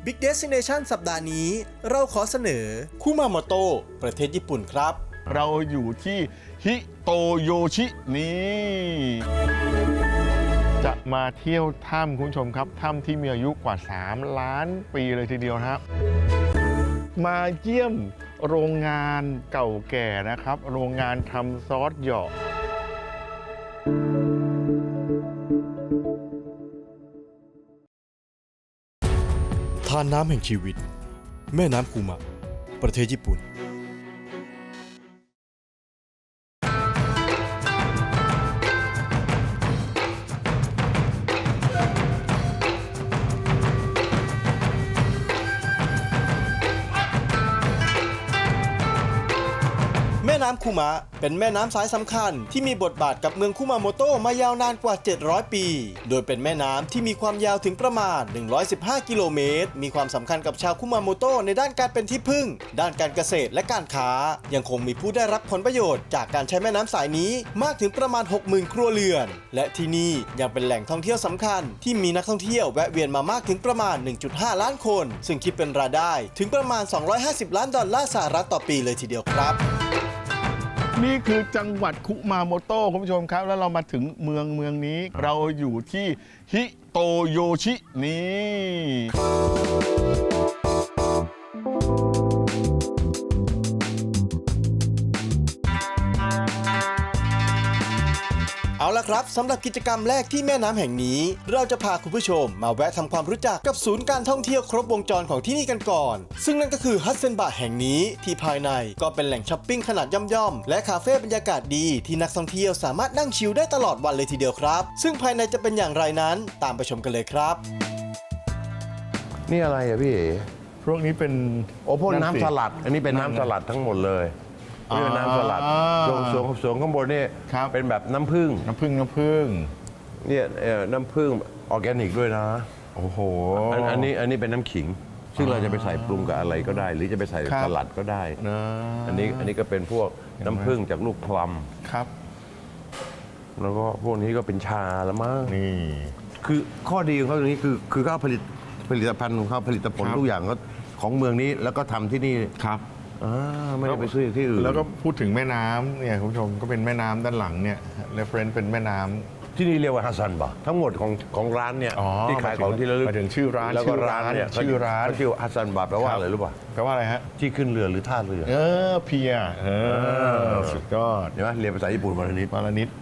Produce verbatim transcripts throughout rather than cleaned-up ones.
Big Destination สัปดาห์นี้เราขอเสนอคุมาโมโตะประเทศญี่ปุ่นครับเราอยู่ที่ฮิโตโยชินี่จะมาเที่ยวถ้ำคุณผู้ชมครับถ้ำที่มีอายุกว่าสามล้านปีเลยทีเดียวนะครับมาเยี่ยมโรงงานเก่าแก่นะครับโรงงานทำซอสหยอกทานน้ำแห่งชีวิตแม่น้ำคุมะประเทศญี่ปุ่นแม่น้ำคุมะเป็นแม่น้ำสายสำคัญที่มีบทบาทกับเมืองคุมาโมโตะมายาวนานกว่าเจ็ดร้อยปีโดยเป็นแม่น้ำที่มีความยาวถึงประมาณหนึ่งร้อยสิบห้ากิโลเมตรมีความสำคัญกับชาวคุมาโมโตะในด้านการเป็นที่พึ่งด้านการเกษตรและการค้ายังคงมีผู้ได้รับผลประโยชน์จากการใช้แม่น้ำสายนี้มากถึงประมาณ หกหมื่น ครัวเรือนและที่นี่ยังเป็นแหล่งท่องเที่ยวสำคัญที่มีนักท่องเที่ยวแวะเวียนมามากถึงประมาณ หนึ่งจุดห้า ล้านคนซึ่งคิดเป็นรายได้ถึงประมาณสองร้อยห้าสิบล้านดอลลาร์สหรัฐต่อปีเลยทีเดียวครับนี่คือจังหวัดคุมาโมโตะคุณผู้ชมครับแล้วเรามาถึงเมืองเมืองนี้เราอยู่ที่ฮิโตโยชินี่เอาละครับสำหรับกิจกรรมแรกที่แม่น้ำแห่งนี้เราจะพาคุณผู้ชมมาแวะทำความรู้จักกับศูนย์การท่องเที่ยวครบวงจรของที่นี่กันก่อนซึ่งนั่นก็คือฮัตเซนบะแห่งนี้ที่ภายในก็เป็นแหล่งช้อปปิ้งขนาดย่อมๆและคาเฟ่บรรยากาศดีที่นักท่องเที่ยวสามารถนั่งชิลได้ตลอดวันเลยทีเดียวครับซึ่งภายในจะเป็นอย่างไรนั้นตามไปชมกันเลยครับนี่อะไรอะพี่เอ๋พวกนี้เป็นโอ้พวกน้ำสลัดอันนี้เป็นน้ำสลัดทั้งหมดเลยนี่เป็นน้ำสลัดส่วนส่วนส่วนข้างบนนี่เป็นแบบน้ำผึ้งน้ำผึ้งน้ำผึ้งเนี่ยน้ำผึ้งออร์แกนิกด้วยนะโอ้โหอันนี้อันนี้เป็นน้ำขิงซึ่งเราจะไปใส่ปรุงกับอะไรก็ได้หรือจะไปใส่สลัดก็ได้อันนี้อันนี้ก็เป็นพวกน้ำผึ้งจากลูกพลัมครับแล้วก็พวกนี้ก็เป็นชาละมั้งนี่คือข้อดีของเขาตรงนี้คือคือเขาผลิตผลิตภัณฑ์ของเขาผลิตผลทุกอย่างก็ของเมืองนี้แล้วก็ทำที่นี่ครับอ่าไม่ได้ไปซื้อที่อื่นแล้วก็พูดถึงแม่น้ำเนี่ยคุณผู้ชมก็เป็นแม่น้ำด้านหลังเนี่ยเรฟเฟรนซ์เป็นแม่น้ำที่นี่เรียกว่าฮัสซันบะทั้งหมดของของร้านเนี่ยที่ขายของที่ระลึกไปถึงชื่อร้านแล้วก็ร้านเนี่ยชื่อร้านชื่อฮัสซันบะแปลว่าอะไรรู้ป่ะแปลว่าอะไรฮะที่ขึ้นเรือหรือท่าเรือเออเพียเออสุดยอดเห็นไหมเรียนภาษาญี่ปุ่นมาละนิดมาละนิด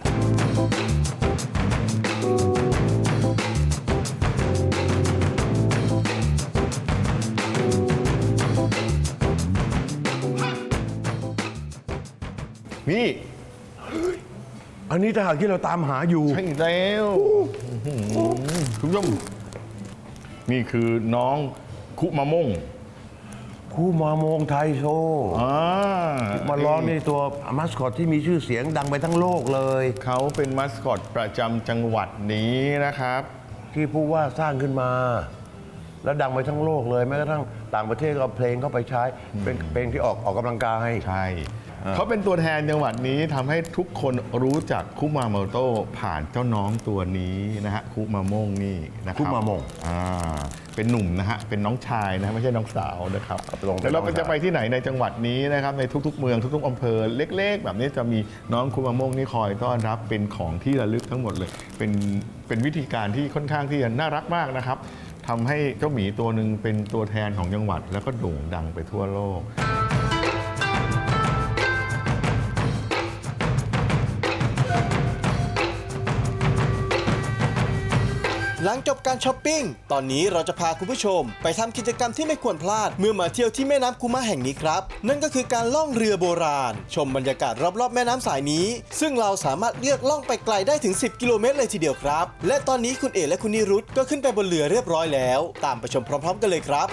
นี่อันนี้ทหารที่เราตามหาอยู่ใช่แล้วคุณผู้ชมนี่คือน้องคุมาม่งคุมาโมงไทโชมาร้องในตัวมัสคอตที่มีชื่อเสียงดังไปทั้งโลกเลยเขาเป็นมัสคอตประจำจังหวัดนี้นะครับที่ผู้ว่าสร้างขึ้นมาแล้วดังไปทั้งโลกเลยแม้กระทั่งต่างประเทศก็เอาเพลงเข้าไปใช้เป็นเพลงที่ออกออกกำลังกายใช่เขาเป็นตัวแทนจังหวัดนี้ทำให้ทุกคนรู้จักคุมาโมโตะผ่านเจ้าน้องตัวนี้นะฮะคุมาม่งนี่นะครับคุมาม่งอ่าเป็นหนุ่มนะฮะเป็นน้องชายนะไม่ใช่น้องสาวนะครับแล้วเราจะไปที่ไหนในจังหวัดนี้นะครับในทุกๆเมืองทุกๆอำเภอเล็กๆแบบนี้จะมีน้องคุมาม่งนี่คอยต้อนรับเป็นของที่ระลึกทั้งหมดเลยเป็นเป็นวิธีการที่ค่อนข้างที่จะน่ารักมากนะครับทำให้เจ้าหมีตัวหนึ่งเป็นตัวแทนของจังหวัดแล้วก็โด่งดังไปทั่วโลกหลังจบการช้อปปิ้งตอนนี้เราจะพาคุณผู้ชมไปทำกิจกรรมที่ไม่ควรพลาดเมื่อมาเที่ยวที่แม่น้ำคุมะแห่งนี้ครับนั่นก็คือการล่องเรือโบราณชมบรรยากาศรอบๆแม่น้ำสายนี้ซึ่งเราสามารถเลือกล่องไปไกลได้ถึงสิบกิโลเมตรเลยทีเดียวครับและตอนนี้คุณเอ๋และคุณนิรุตก็ขึ้นไปบนเรือเรียบร้อยแล้วตามไปชมพร้อมๆกันเลยครับ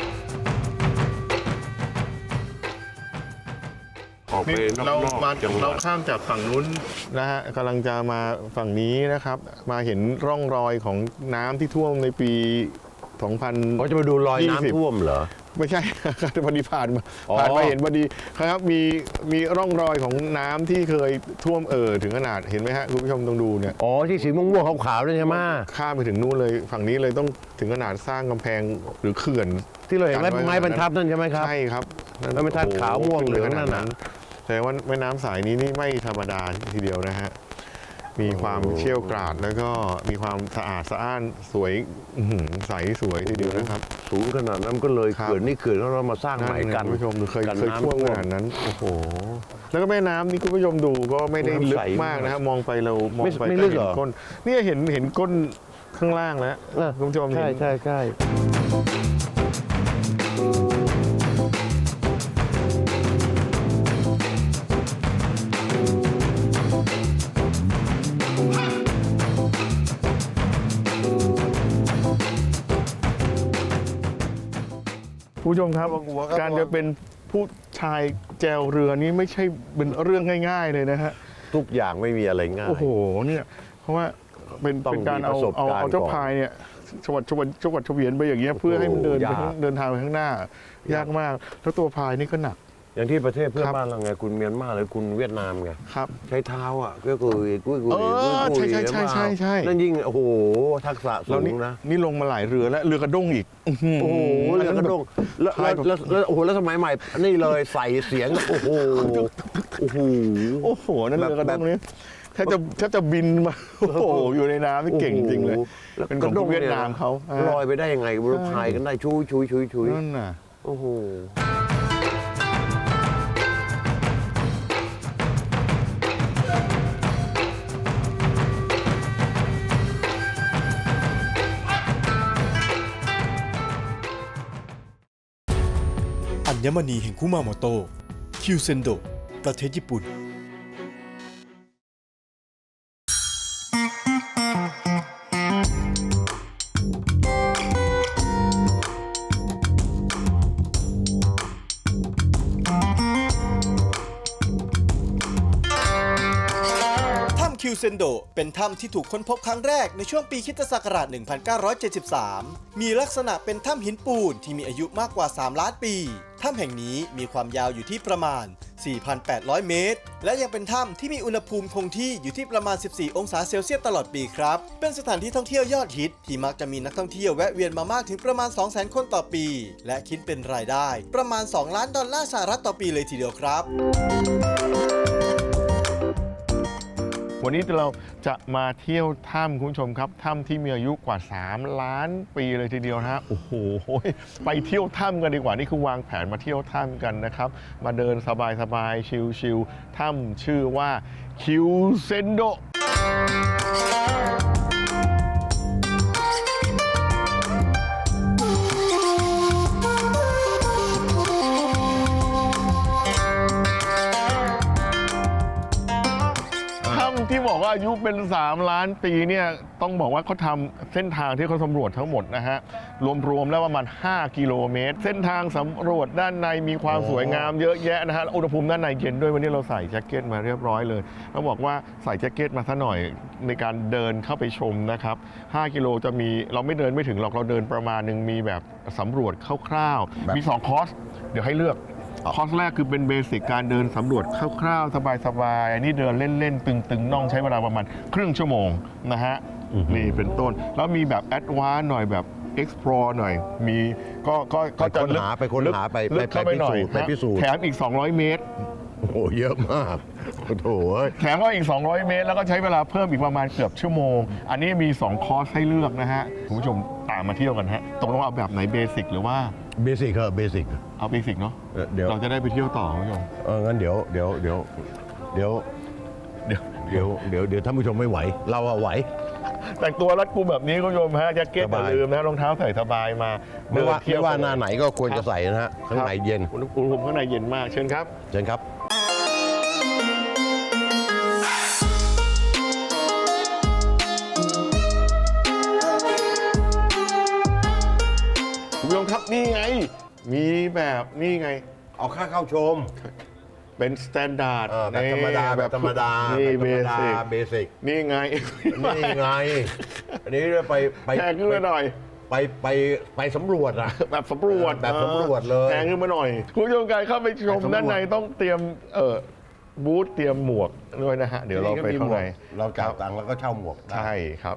นี่เรามาเราข้ามจากฝั่งนู้นนะฮะกำลังจะมาฝั่งนี้นะครับมาเห็นร่องรอยของน้ำที่ท่วมในปีสองพันเขาจะมาดูรอยน้ำท่วมเหรอไม่ใช่ พอดีผ่านมาอ๋อผ่านมาเห็นพอดีครับมีมีร่องรอยของน้ำที่เคยท่วมเอ่อถึงขนาดเห็นไหมฮะคุณผู้ชมต้องดูเนี่ยอ๋อที่สีม่วงๆขาวๆด้วยใช่ไหมข้ามไปถึงนู่นเลยฝั่งนี้เลยต้องถึงขนาดสร้างกำแพงหรือเขื่อนที่เราเห็นไม้กันไว้ไม้บรรทัดนั่นใช่ไหมครับใช่ครับแล้วบรรทัดขาวม่วงเหลืองนั่นน่ะแสดงว่าแม่น้ำสายนี้นี่ไม่ธรรมดาทีเดียวนะฮะมีความเชี่ยวกราดแล้วก็มีความสะอาดสะอ้านสวยอื้อหือใสสวยทีเดียวนะครับสูงขนาดนั้นก็เลยครับเขื่อนนี่เขื่อนแล้วเรามาสร้างใหม่กันคุณผู้ชมเคยกันเคยน้ำท่วมขนาดนั้นโอ้โหแล้วก็แม่น้ำนี่คุณผู้ชมดูก็ไม่ได้ลึกมากนะฮะมองไปเรามองไปไม่ก็ลึกเห็เหรนอก้นเนี่ยเห็นเห็นก้นข้างล่างแล้วคุณผู้ชมเห็ใช่นใช่ใช่คุณผู้ชมครับการจะเป็นผู้ชายแจวเรือนี้ไม่ใช่เป็นเรื่องง่ายๆเลยนะฮะทุกอย่างไม่มีอะไรง่ายโอ้โหเนี่ยเพราะว่าเป็นต้องเป็นการเอามีประสบเอาการณ์เอาเจ้าก่อนพายเนี่ยชวัดชวัดชวัดเฉวียนไปอย่างเงี้ยเพื่อให้มันเดินไปยากข้างเดินทางไปข้างหน้า ยากมาก แล้วตัวพายนี่ก็หนักอย่างที่ประเทศเพื่อนครับบ้านเราไงคุณเมียนมาหรือคุณเวียดนามไงครับใช้เท้าอ่ะก็กุยกุยกุยเออกุยกุยใช่ใช่ใช่ใช่นั่นยิ่งโอ้โหทักษะสูแล้วนี่งนะนี่ลงมาหลายเรือแล้วเรือกระด้งอีกอื้อหืโอ้โหเรือกระด้งแล้วพายแบบแล้วแล้วแล้วโอ้โหแล้วสมัยใหม่นี่เลยใส่เสียงโอ้โหโอ้โหโอ้โหนั่นแบบเรือกระด้งนี้แทบจะแทบจะบินมาโอ้โหอยู่ในน้ำนี่เก่งจริงเลยแล้วเป็นของกระด้งเวียดนามเขาลอยไปได้ยังไงบนพายกันได้ชุยชุยชุยชุยนั่นน่ะโอ้โหอัญมณีแห่งคุมาโมโตะคิวเซนโดะประเทศญี่ปุ่น ถ้ำคิวเซนโดะเป็นถ้ำที่ถูกค้นพบครั้งแรกในช่วงปีคริสตศักราช หนึ่งพันเก้าร้อยเจ็ดสิบสาม มีลักษณะเป็นถ้ำหินปูนที่มีอายุมากกว่า สาม ล้านปี ถ้ำแห่งนี้มีความยาวอยู่ที่ประมาณ สี่พันแปดร้อย เมตร และยังเป็นถ้ำที่มีอุณหภูมิคงที่อยู่ที่ประมาณ สิบสี่ องศาเซลเซียสตลอดปีครับ เป็นสถานที่ท่องเที่ยวยอดฮิตที่มักจะมีนักท่องเที่ยวแวะเวียนมามากถึงประมาณ สองแสน คนต่อปี และคิดเป็นรายได้ประมาณ สอง ล้านดอลลาร์สหรัฐต่อปีเลยทีเดียวครับวันนี้เราจะมาเที่ยวถ้ำคุณผู้ชมครับถ้ำที่มีอายุกว่า สาม ล้านปีเลยทีเดียวนะฮะโอ้โหไปเที่ยวถ้ำกันดีกว่านี่คือวางแผนมาเที่ยวถ้ำกันนะครับมาเดินสบายๆชิลๆถ้ำชื่อว่าคิวเซนโดะ ถ้ำที่บอกว่าอายุเป็น สาม ล้านปีเนี่ยต้องบอกว่าเขาทำเส้นทางที่เขาสำรวจทั้งหมดนะฮะรวมๆแล้วประมาณห้ากิโลเมตร เส้นทางสำรวจด้านในมีความสวยงามเยอะแยะนะฮะอุณหภูมิด้านในเย็นด้วยวันนี้เราใส่แจ็คเก็ตมาเรียบร้อยเลยต้องบอกว่าใส่แจ็คเก็ตมาซะหน่อยในการเดินเข้าไปชมนะครับห้ากิโลจะมีเราไม่เดินไม่ถึงหรอกเราเดินประมาณหนึ่งมีแบบสำรวจคร่าวๆมีสองคอร์สเดี๋ยวให้เลือกคอร์สแรกคือเป็นเบสิกการเดินสำรวจคร่าวๆสบายๆอันนี้เดินเล่นๆตึงๆน่องใช้เวลาประมาณครึ่งชั่วโมงนะฮะนี่เป็นต้นแล้วมีแบบแอดวานซ์หน่อยแบบ explore หน่อยมีก็ก็ก็จะไปค้นหาไปค้นหาไปลึกเข้าไปหน่อยไปพิสูจน์แถมอีก สองร้อย เมตรโอ้โหเยอะมากโอ้โหแถมก็อีก สองร้อย เมตร แล้วก็ใช้เวลาเพิ่มอีกประมาณเกือบชั่วโมง อันนี้มี สอง คอร์สให้เลือกนะฮะคุณผู้ชมตามมาเที่ยวกันฮะตกลงเอาแบบไหนเบสิกหรือว่าเบสิกครับเบสิกเอาเบสิกเนาะเออเดี๋ยวเราจะได้ไปเที่ยวต่อคุณผู้ชมเอองั้นเดี๋ยวเดี๋ยวเดี๋ยวเดี๋ยวเดี๋ยวเดี๋ยวเดี๋ยวเดี๋ยวท่านผู้ชมไม่ไหว เราอะไหวแต่งตัวรัดกุมแบบนี้คุณผู้ชมฮะแจ็คเก็ตอย่าลืมนะรองเท้าใส่สบายมาไม่ว่าเดินเที่ยไม่ว่าหน้าไหนก็ควรจะใส่นะฮะข้างในเย็นอุณหภูมิข้างในเย็นมากเชิญครับเชิญครับคุณผู้ชมครับนี่ไง มีแบบนี่ไงเอาค่าเข้าชมเป็นสแตนดาร์ดเออแบบธรรมดาแบบธรรมดานี่แบบเบธรรมดาสิกเบสิกนี่ไงนี่ไง อันนี้ไปไปแพงขึ้นมาหน่อยไปไปไปสำรวจอะแบบสำรวจแบบสำรวจเลยแพงขึ้นมาหน่อยคุณผู้ชมการเข้าไปชมแบบสำรวจด้านในต้องเตรียมเอ่อบูธเตรียมหมวกด้วยนะฮะเดี๋ยวเราไปข้างในเราจ่ายตังค์แล้วก็เช่าหมวกได้ใช่ครับ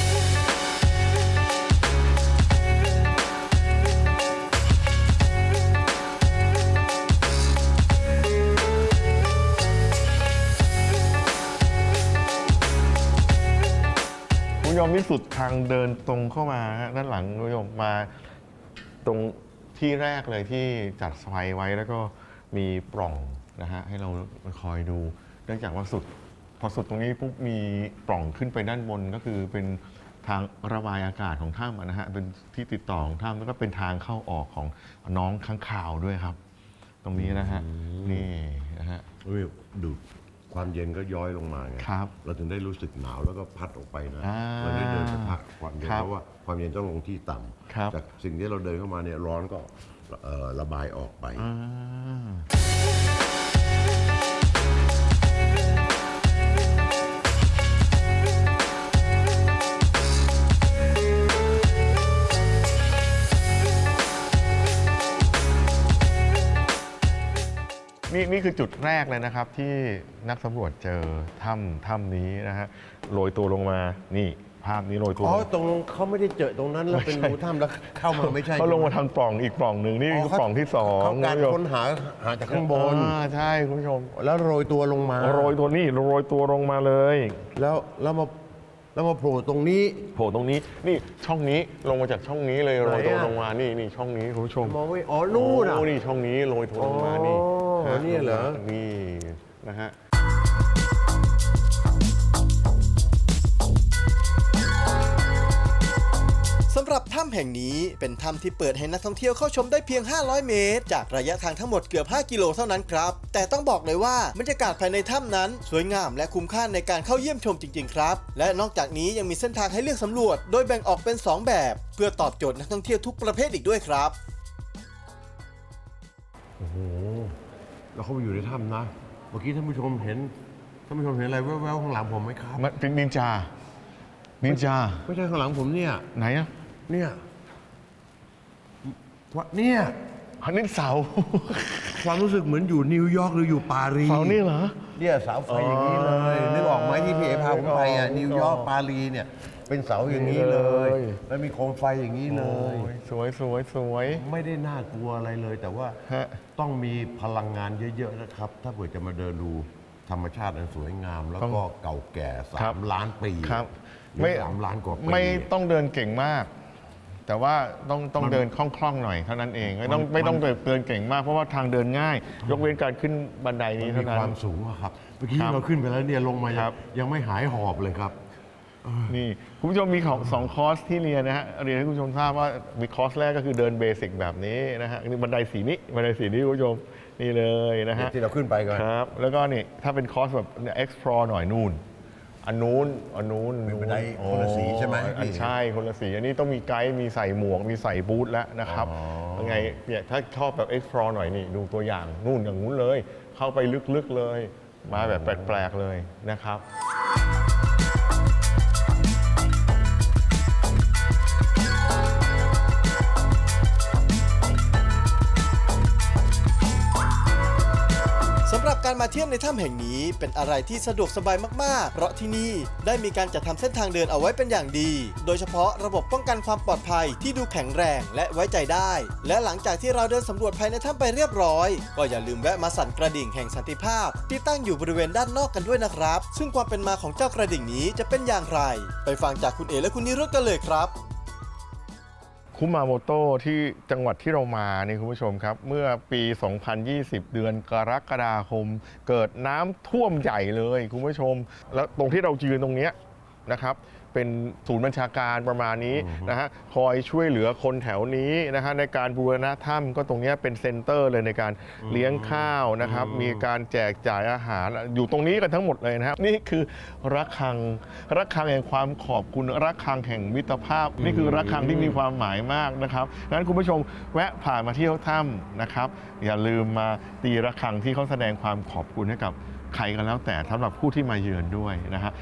คุณผู้ชมนี่สุดทางเดินตรงเข้ามาฮะด้านหลังคุณผู้ชมมาตรงที่แรกเลยที่จัดไฟไว้แล้วก็มีปล่องนะฮะให้เราคอยดูเนื่องจากว่าสุดพอสุดตรงนี้ปุ๊บมีปล่องขึ้นไปด้านบนก็คือเป็นทางระบายอากาศของถ้ำนะฮะเป็นที่ติดต่อของถ้ำแล้วก็เป็นทางเข้าออกของน้องค้างคาวด้วยครับ ตรงนี้นะฮะนี่นะฮะเฮ้ยดูดความเย็นก็ย้อยลงมาไงครับเราถึงได้รู้สึกหนาวแล้วก็พัดออกไปนะอ่าเราได้เดินไปพักความเย็นครับเพราะว่าความเย็นต้องลงที่ต่ครับำจากสิ่งที่เราเดินเข้ามาเนี่ยร้อนก็เอ่อระบายออกไปอ่า นี่นี่คือจุดแรกเลยนะครับที่นักสำรวจเจอถ้ำถ้ำนี้นะฮะโรยตัวลงมานี่ภาพนี้โรยตัวอ๋อลงตรงเขาไม่ได้เจอตรงนั้นแล้วเป็นรูถ้ำแล้วเข้ามาไม่ใช่เขาลงมาทางปล่องอีกปล่องหนึ่งนี่คือปล่องที่สองเขาการณผู้ชมค้นหาหาจากข้างบนอ่าใช่คุณผู้ชมแล้วโรยตัวลงมาโรยตัวนี่โรยตัวลงมาเลยแล้วแล้วมาแล้วมาโผล่ตรงนี้โผล่ตรงนี้นี่ช่องนี้ลงมาจากช่องนี้เลยโรยตัวไหนอะลงมานี่นี่ช่องนี้คุณผู้ชมมองไม่อ๋อนู่นอ่ะโอ้นี่ช่องนี้โรยตัวลงมานี่อ๋อฮะเนี่ยเหรอนี่นะฮะสำหรับถ้ำแห่งนี้เป็นถ้ำที่เปิดให้นักท่องเที่ยวเข้าชมได้เพียง ห้าร้อย เมตร จากระยะทางทั้งหมดเกือบ ห้า กิโลเท่านั้นครับ แต่ต้องบอกเลยว่าบรรยากาศภายในถ้ำนั้น สวยงามและคุ้มค่าในการเข้าเยี่ยมชมจริงๆครับ และนอกจากนี้ยังมีเส้นทางให้เลือกสำรวจ โดยแบ่งออกเป็น สอง แบบ เพื่อตอบโจทย์นักท่องเที่ยวทุกประเภทอีกด้วยครับโอ้โหเราเข้าไปอยู่ในถ้ำนะ เมื่อกี้ท่านผู้ชมเห็นท่านผู้ชมเห็นอะไรแววๆข้างหลังผมไหมครับมันเป็นนินจา นินจาไม่ใช่ข้างหลังผมเนี่ยไหนอะเนี่ยว่าเนี่ยอันนี้เสาความรู้สึกเหมือนอยู่นิวยอร์กหรืออยู่ปารีสเสานี่เหรอเนี่ยเสาไฟอย่างนี้เลยอ๋อนึกออกไหมที่พี่เอพาผมไปอ่ะนึนิกวออกยอร์กปารีสเนี่ยเป็นเสาอย่างนี้เลยเลยแล้วมีโคมไฟอย่างนี้เลยโอ้ยสวยสวยสวยไม่ได้น่ากลัวอะไรเลย แต่ว่าฮะต้องมีพลังงานเยอะๆนะครับ ถ้าเกิดจะมาเดินดูธรรมชาติอันสวยงาม แล้วก็เก่าแก่สาครับมล้านปีครับหรือสามล้านกว่าปีไม่ต้องเดินเก่งมาก แต่ว่าต้องต้องมันเดินคล่องๆหน่อยเท่านั้นเองไม่ต้องมันไม่ต้องมันเดินเก่งมากเพราะว่าทางเดินง่าย ยกเว้นการขึ้นบันไดมันนี้มีเท่านั้นความสูงอะครับ เมื่อกี้ครับเราขึ้นไปแล้วเนี่ยลงมายัคงรับยังไม่หายหอบเลยครับนี่คุณผู้ชมมีของสองคอร์สที่เรียนนะฮะเรียนให้คุณผู้ชมทราบว่ามีคอร์สแรกก็คือเดินเบสิกแบบนี้นะฮะนี่บันไดสีนี้บันไดสีนี้คุณผู้ชมนี่เลยนะฮะที่เราขึ้นไปกันครับแล้วก็นี่ถ้าเป็นคอร์สแบบเนี่ย explore หน่อยนู่นอันนู้นอันนู้นเป็นบันไดคนละสีใช่ไหมโอ้ยอันใช่คนละสีอันนี้ต้องมีไกด์มีใส่หมวกมีใส่บูทแล้วนะครับอ๋อยังไงเนี่ยถ้าชอบแบบ explore หน่อยนี่ดูตัวอย่างนู่นอย่างนู้นเลย เข้าไปลึกๆเลย มาแบบแปลกๆเลยนะครับสำหรับการมาเที่ยวในถ้ำแห่งนี้เป็นอะไรที่สะดวกสบายมากๆ เพราะที่นี่ได้มีการจัดทำเส้นทางเดินเอาไว้เป็นอย่างดี โดยเฉพาะระบบป้องกันความปลอดภัยที่ดูแข็งแรงและไว้ใจได้ และหลังจากที่เราเดินสำรวจภายในถ้ำไปเรียบร้อย ก็อย่าลืมแวะมาสั่นกระดิ่งแห่งสันติภาพที่ตั้งอยู่บริเวณด้านนอกกันด้วยนะครับ ซึ่งความเป็นมาของเจ้ากระดิ่งนี้จะเป็นอย่างไร ไปฟังจากคุณเอและคุณนิรุตกันเลยครับคุมาโมโตะที่จังหวัดที่เรามานี่คุณผู้ชมครับ เมื่อปี สองพันยี่สิบ เดือนกรกฎาคม เกิดน้ำท่วมใหญ่เลยคุณผู้ชม แล้วตรงที่เรายืนตรงเนี้ยนะครับ เป็นศูนย์บัญชาการประมาณนี้นะฮะคอยช่วยเหลือคนแถวนี้นะฮะในการบูรณะถ้ำก็ตรงเนี้ยเป็นเซ็นเตอร์เลยในการเลี้ยงข้าวนะครับ มีการแจกจ่ายอาหารอยู่ตรงนี้กันทั้งหมดเลยนะครับนี่คือระฆังระฆังแห่งความขอบคุณระฆังแห่งมิตรภาพ นี่คือระฆังที่มีความหมายมากนะครับดังนั้นคุณผู้ชมแวะผ่านมาเที่ยวถ้ำนะครับอย่าลืมมาตีระฆังที่เขาแสดงความขอบคุณให้กับใครก็แล้วแต่สำหรับผู้ที่มาเยือนด้วยนะฮะ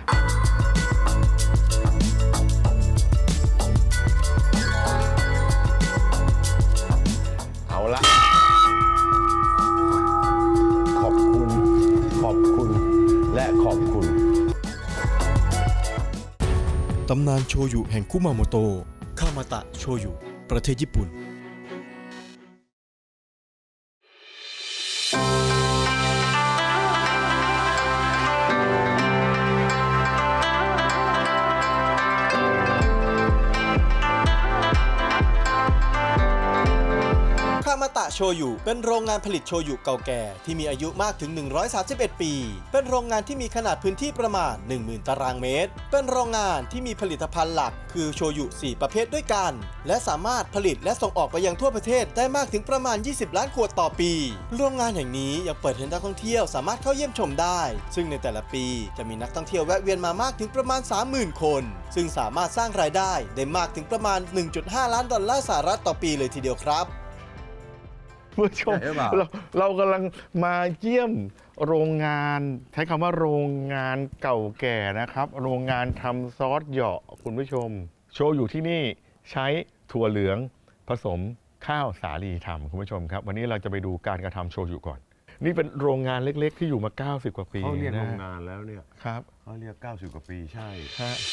ละขอบคุณ ขอบคุณ และขอบคุณตำนานโชยุแห่งคุมาโมโตะคามาตะโชยุประเทศญี่ปุ่น คามาตะโชยุเป็นโรงงานผลิตโชยุเก่าแก่ที่มีอายุมากถึง หนึ่งร้อยสามสิบเอ็ด ปี เป็นโรงงานที่มีขนาดพื้นที่ประมาณ หนึ่งหมื่น ตารางเมตร เป็นโรงงานที่มีผลิตภัณฑ์หลักคือโชยุ สี่ ประเภทด้วยกัน และสามารถผลิตและส่งออกไปยังทั่วประเทศได้มากถึงประมาณ ยี่สิบ ล้านขวดต่อปี โรงงานแห่งนี้ยังเปิดให้นักท่องเที่ยวสามารถเข้าเยี่ยมชมได้ ซึ่งในแต่ละปีจะมีนักท่องเที่ยวแวะเวียนมามากถึงประมาณ สามหมื่น คน ซึ่งสามารถสร้างรายได้ได้มากถึงประมาณ หนึ่งจุดห้า ล้านดอลลาร์สหรัฐต่อปีเลยทีเดียวครับผู้ชมใช่เปล่าเราเรากำลังมาเยี่ยมโรงงาน ใช้คำว่าโรงงานเก่าแก่นะครับ โรงงานทำซอสเหยาะคุณผู้ชม โชว์อยู่ที่นี่ใช้ถั่วเหลืองผสมข้าวสาลีทำคุณผู้ชมครับ วันนี้เราจะไปดูการกระทำโชว์อยู่ก่อน นี่เป็นโรงงานเล็กๆ ที่อยู่มา เก้าสิบ กว่าปีเขาเรียกนะโรงงานแล้วเนี่ยครับเขาเรียก เก้าสิบ กว่าปีใช่ฮะ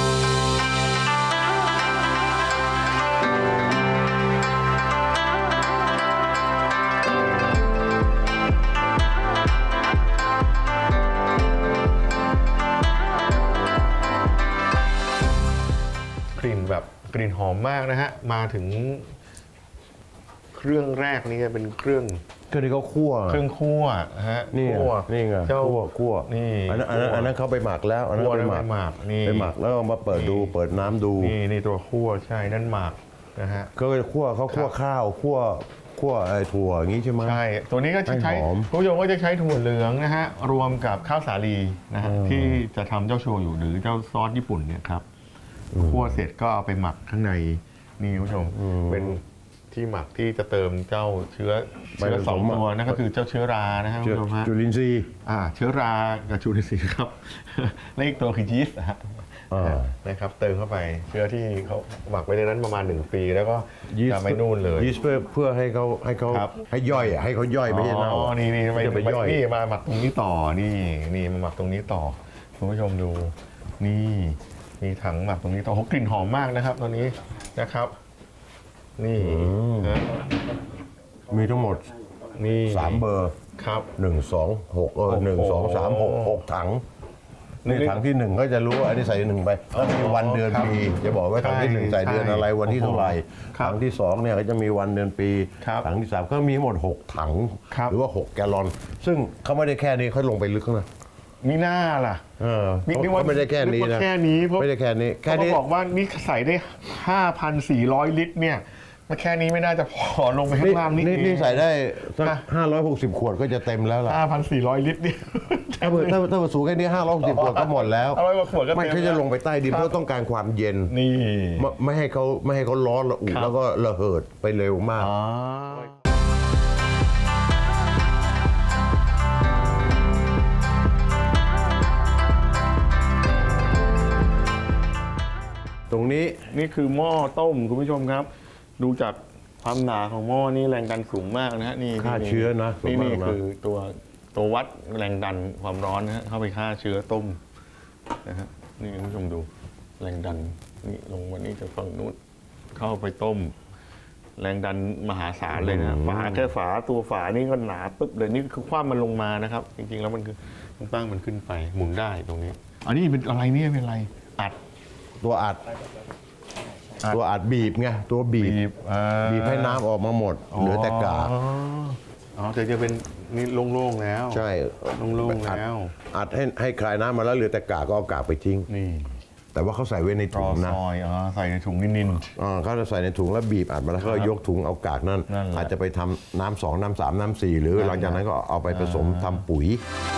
กลิ่นแบบกลิ่นหอมมากนะฮะ มาถึงเครื่องแรกนี่เป็นเครื่องก็นี่เขาคั่วเครื่องคั่วนะฮะนี่ไงคั่วนี่ไงเจ้าคั่วคั่วนี่อันนั้นอันนั้นอันนั้นเขาไปหมักแล้วอันนั้นคั่วไปแล้วหไปมักหมักนี่ไปหมักแล้วเอามาเปิดดูนี่เปิดน้ำดูนี่นี่ตัวคั่วใช่นั่นหมักนะฮะก็ไปคั่วเขาคั่วข้าวคั่วคั่วไอ้ถั่วอย่างนี้ใช่ไหมใช่ ตัวนี้ก็จะใช้ให้หอมคุณผู้ชมก็จะใช้ถั่วเหลืองนะฮะ รวมกับข้าวสาลีนะฮะอืมที่จะทำเจ้าโชยุหรือเจ้าซอสญี่ปุ่นเนี่ยครับคั่วเสร็จก็เอาไปหมักข้างในนี่คุณผู้ชมเป็นที่หมักที่จะเติมเจ้าเชื้อเชื้อสองตัวนั่นก็คือเจ้าเชื้อรานะฮะคุณผู้ชมฮะจุลินทรีย์อ่าเชื้อรากับจุลินทรีย์ครับ และอีกตัวคือยีสต์นะฮะอ่านะครับเติมเข้าไปเชื้อที่เขาหมักไว้ในนั้นประมาณหนึ่งปีแล้วก็จะไม่นู่นเลยยีสต์เพื่อเพื่อให้เขาให้เขาครับให้ย่อยอ่ะให้เขาย่อยไม่ใช่เน่าอ๋อ นี่นี่มันจะไปย่อยนี่มาหมักตรงนี้ต่อ นี่ นี่มาหมักตรงนี้ต่อ คุณผู้ชมดู นี่ มีถังหมักตรงนี้ต่อโหกลิ่นหอมมากนะครับ ตอนนี้นะครับ นี่นะมีทั้งหมดนี่สามเบอร์ครับหนึ่งสองหกเออโอ้โหหนึ่งสองสามหกหกถังนี่ถังที่หนึ่งก็จะรู้ว่าอันนี้ใส่หนึ่งไปแล้วมีวันเดือนครับปีจะบอกว่าถังที่หนึ่งใช่ใส่เดือนอะไรวันที่เท่าไหร่ครับถังที่สองเนี่ยก็จะมีวันเดือนปีครับถังที่สามก็มีทั้งหมดหกถังครับหรือว่าหกแกลลอน ซึ่งเขาไม่ได้แค่นี้เขาลงไปลึกนะมีหน้าล่ะเออนึกเขานึกว่าเขาไม่ได้แค่นี้นึกนะว่าแค่นี้เพราะไม่ได้แค่นี้แค่เขานี้บอกว่านี่ใส่ได้ ห้าพันสี่ร้อย ลิตรเนี่ยมาแค่นี้ไม่น่าจะพอลงไปข้างล่างนิดนี่เองนี่ใส่ได้สักค่ะห้าร้อยหกสิบขวดก็จะเต็มแล้วล่ะห้าพันสี่ร้อย ลิตรเนี่ยถ้าเปิดถ้าถ้าเปิดสูงแค่นี้ห้าร้อยหกสิบขวดก็หมดแล้วเอาไว้มาขวดก็ไม่เต็มเขาจะลงไปใต้ดินครับเพราะต้องการความเย็นนี่ไม่ไม่ให้เขาไม่ให้เขาร้อนระอุครับแล้วก็ระเหิดไปเร็วมากอ๋อตรงนี้นี่คือหม้อต้มคุณผู้ชมครับ ดูจากความหนาของหม้อนี่แรงดันสูงมากนะฮะนี่ฆ่าเชื้อนะสูงนี่มากนี่นะคือตัวตัววัดแรงดันความร้อนนะฮะเข้าไปฆ่าเชื้อต้มนะฮะนี่คุณผู้ชมดูแรงดันนี่ลงมานี่จากฝั่งนู้นเข้าไปต้ม แรงดันมหาศาลเลยนะฝาแค่ฝาตัวฝานี่ก็หนาปึ๊บเลยนี่คือคว้ามันลงมานะครับ จริงๆแล้วมันคือมันตั้งมันขึ้นไปหมุนได้ตรงนี้อันนี้เป็นอะไรเนี่ยเป็นอะไรอัดตัวอัดอัดตัวอัดบีบไงตัวบีบบีบอ่าบีบให้น้ำออกมาหมด เหลือแต่กากอ๋ออ๋อแต่จะเป็นนี่โล่งๆแล้วใช่โล่งๆแล้วอัดให้ให้คลายน้ำมาแล้วเหลือแต่กากก็เอากากไปทิ้งนี่แต่ว่าเขาใส่ไว้ในรถุองนะซอยอ๋อใส่ในถุงนินอ่าเขาจะใส่ในถุงแล้วบีบอัดมาแล้วก็ยกถุงเอากากนั่นนั่นแหละอาจจะไปทำน้ำสองน้ำสามน้ำสี่หรือนั่นแหละหลังจากนั้นก็เอาไปผสมทำปุ๋ย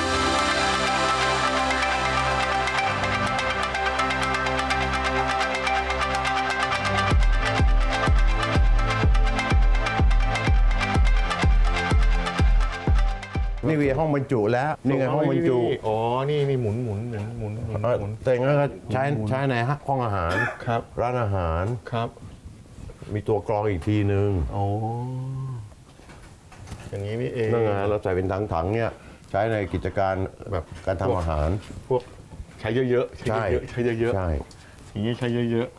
นี่วีห้องบรรจุแล้วๆนี่ไงห้องบรรจุอ๋อนี่นี่หมุนหมุนหมุนหมุนหมุนเอ่อหมุนแต่งั้นก็ใช้ใช้ในห้องอาหารครับร้านอาหารครับมีตัวกรองอีกทีนึงโอ้อย่างนี้นี่เองนั่นไงเราใส่เป็นถังๆเนี่ยใช้ในกิจการแบบการทำอาหารพวกใช้เยอะๆใช้เยอะๆใช้เยอะใช่ๆอย่างนี้ใช้เยอะ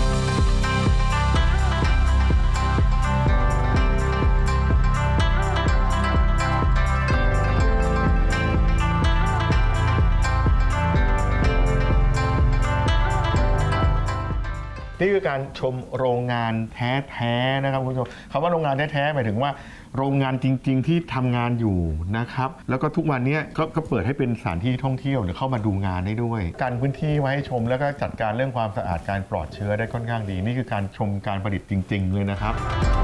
ๆนี่คือการชมโรงงานแท้ๆนะครับคุณผู้ชมคำว่าโรงงานแท้ๆหมายถึงว่าโรงงานจริงๆที่ทำงานอยู่นะครับแล้วก็ทุกวันนี้ก็ก็เปิดให้เป็นสถานที่ท่องเที่ยวหรือเข้ามาดูงานได้ด้วยการพื้นที่ไว้ให้ชมแล้วก็จัดการเรื่องความสะอาดการปลอดเชื้อได้ค่อนข้างดีนี่คือการชมการผลิตจริงๆเลยนะครับ